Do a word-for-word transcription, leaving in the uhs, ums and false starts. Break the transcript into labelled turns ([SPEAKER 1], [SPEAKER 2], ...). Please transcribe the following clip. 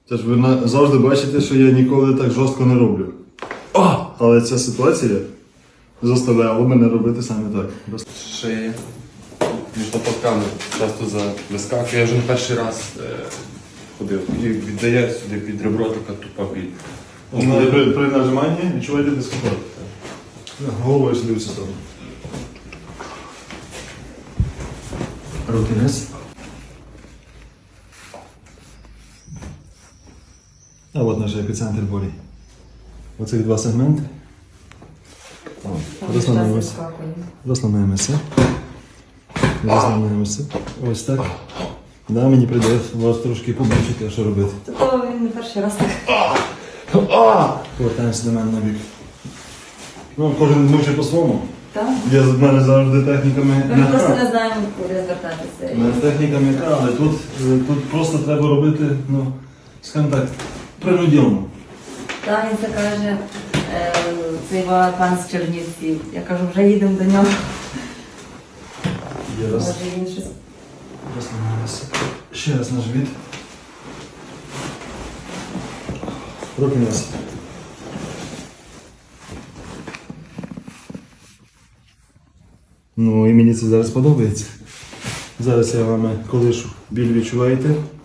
[SPEAKER 1] Це ж ви на- завжди бачите, що я ніколи так жорстко не роблю. О! Але ця ситуація заставляла мене робити саме так. Без-
[SPEAKER 2] Шиї. Між лопатками часто за вискакує. Я вже не перший раз е, ходив. І віддає сюди під ребро така тупа біль.
[SPEAKER 1] При, при, при нажиманні відчуваєте дискомфорт. Головою сюди в цю сторону. Руки вниз. А от наш епіцентр болі. Оцих два сегменти. Розслабляємося. Розслабляємося. Розслабляємося. Ось так. Да, мені прийде вас трошки побачити, що робити.
[SPEAKER 3] То він не перший раз так.
[SPEAKER 1] Повертаємося до мене на бік. Ну, кожен мучить по-своєму.
[SPEAKER 3] Так?
[SPEAKER 1] Я з мене завжди техніками
[SPEAKER 3] Ми просто
[SPEAKER 1] не
[SPEAKER 3] не знаємо, куди звертатися.
[SPEAKER 1] мене техніка м'яка, але тут, е, тут просто треба робити, ну, скажімо так, принуділно.
[SPEAKER 3] Так, він це каже, е, цей пан з Чернівців. Я кажу, вже їдемо до нього.
[SPEAKER 1] Є раз.
[SPEAKER 3] Може він щось.
[SPEAKER 1] Розслабляємося. Ще раз на живіт. Руки вниз. Ну і мені це зараз подобається. Зараз я вам колишу. Біль відчуваєте?